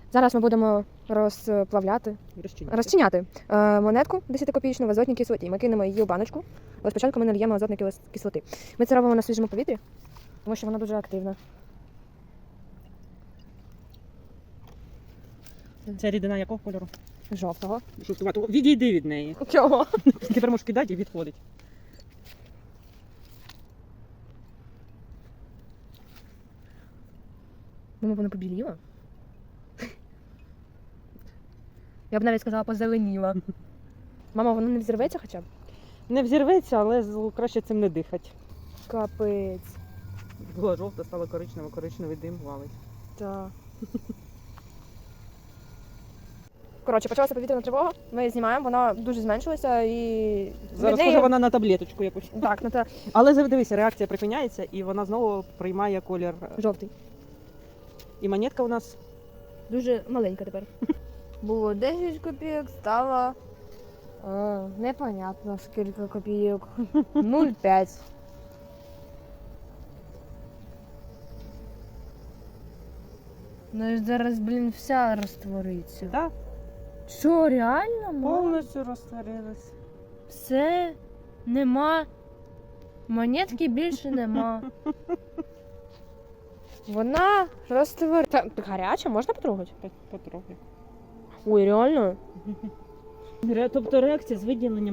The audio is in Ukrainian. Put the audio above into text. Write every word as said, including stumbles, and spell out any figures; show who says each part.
Speaker 1: Зараз ми будемо розплавляти,
Speaker 2: Розчиняти.
Speaker 1: розчиняти е, монетку десятикопійчну в азотній кислоті. Ми кинемо її у баночку, але спочатку ми нальємо азотної кис- кислоти. Ми це робимо на свіжому повітрі, тому що вона дуже активна.
Speaker 2: Це рідина якого кольору?
Speaker 1: Жовтого.
Speaker 2: Жовтувато. Відійди від неї.
Speaker 1: Чого?
Speaker 2: Тепер можеш кидати і відходить.
Speaker 1: Мама, вона побіліла. Я б навіть сказала, позеленіла. Мама, воно не взірветься хоча б?
Speaker 2: Не взірветься, але з- краще цим не дихати.
Speaker 1: Капець.
Speaker 2: Була жовта, стала коричнева, коричневий дим валить.
Speaker 1: Так. Коротше, почалася повітряна тривога. Ми її знімаємо, вона дуже зменшилася і.
Speaker 2: Зараз
Speaker 1: від неї-
Speaker 2: схоже вона на таблеточку якусь.
Speaker 1: Так, на те
Speaker 2: Але зараз дивися, реакція припиняється і вона знову приймає колір.
Speaker 1: жовтий.
Speaker 2: І монетка у нас
Speaker 1: Дуже маленька тепер. Було десять копійок, стало. Е, непонятно скільки копійок. нуль цілих п'ять. Ну і зараз, блін, вся розтвориться.
Speaker 2: так,
Speaker 1: Що, реально? Мам?
Speaker 2: повністю розтворилась.
Speaker 1: Все, нема. Монетки більше нема. Вона розтворилася. Гаряча, можна потрогати?
Speaker 2: Потрохи.
Speaker 1: Ой, реально?
Speaker 2: Тобто реакція з виділенням